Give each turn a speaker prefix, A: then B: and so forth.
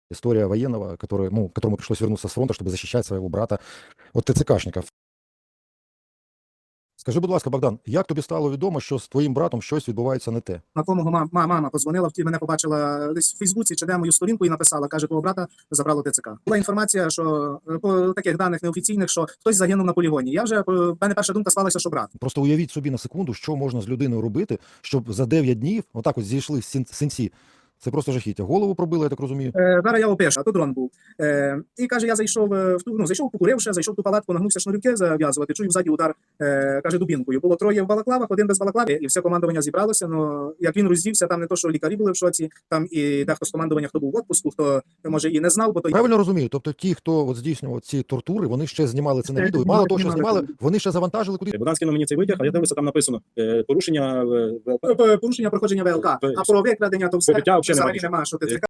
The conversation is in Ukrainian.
A: История военного, который, ну, которому пришлось вернуться с фронта, чтобы защищать своего брата от ТЦКшників. Скажи, будь ласка, Богдан, як тобі стало відомо, що з твоїм братом щось відбувається не те?
B: На кого мама подзвонила, мене побачила десь в Фейсбуці чи де мою сторінку і написала, каже, твого брата забрало ТЦК. Була інформація, що по таких даних неофіційних, що хтось загинув на полігоні. Я вже, в мене перша думка склалася, що брат.
A: Просто уявіть собі на секунду, що можна з людиною робити, щоб за 9 днів отак от зійшли синці. Це просто жахіття. Голову пробили, я так розумію.
B: Зараз я опишу, а то дрон був. І каже, я зайшов зайшов, покуривши, зайшов в ту палатку, нагнувся шнурівки зав'язувати, чую ззаді удар, каже, дубінкою. Було троє в балаклавах, один без балаклави, і все командування зібралося. Ну, як він роздівся, там не то, що лікарі були в шоці, там і дехто з командування, хто був в отпуску, хто, може, і не знав, бо то...
A: Правильно розумію? Тобто ті, хто от здійснював ці тортури, вони ще знімали це на відео, і мало того, що знімали, вони ще завантажили куди.
C: Богдан скинув мені цей витяг, а я дивлюся, там написано порушення
B: Порушення проходження ВЛК, а про викрадення, то все
C: Побиття взагалі
B: взагалі нема, що ТЦК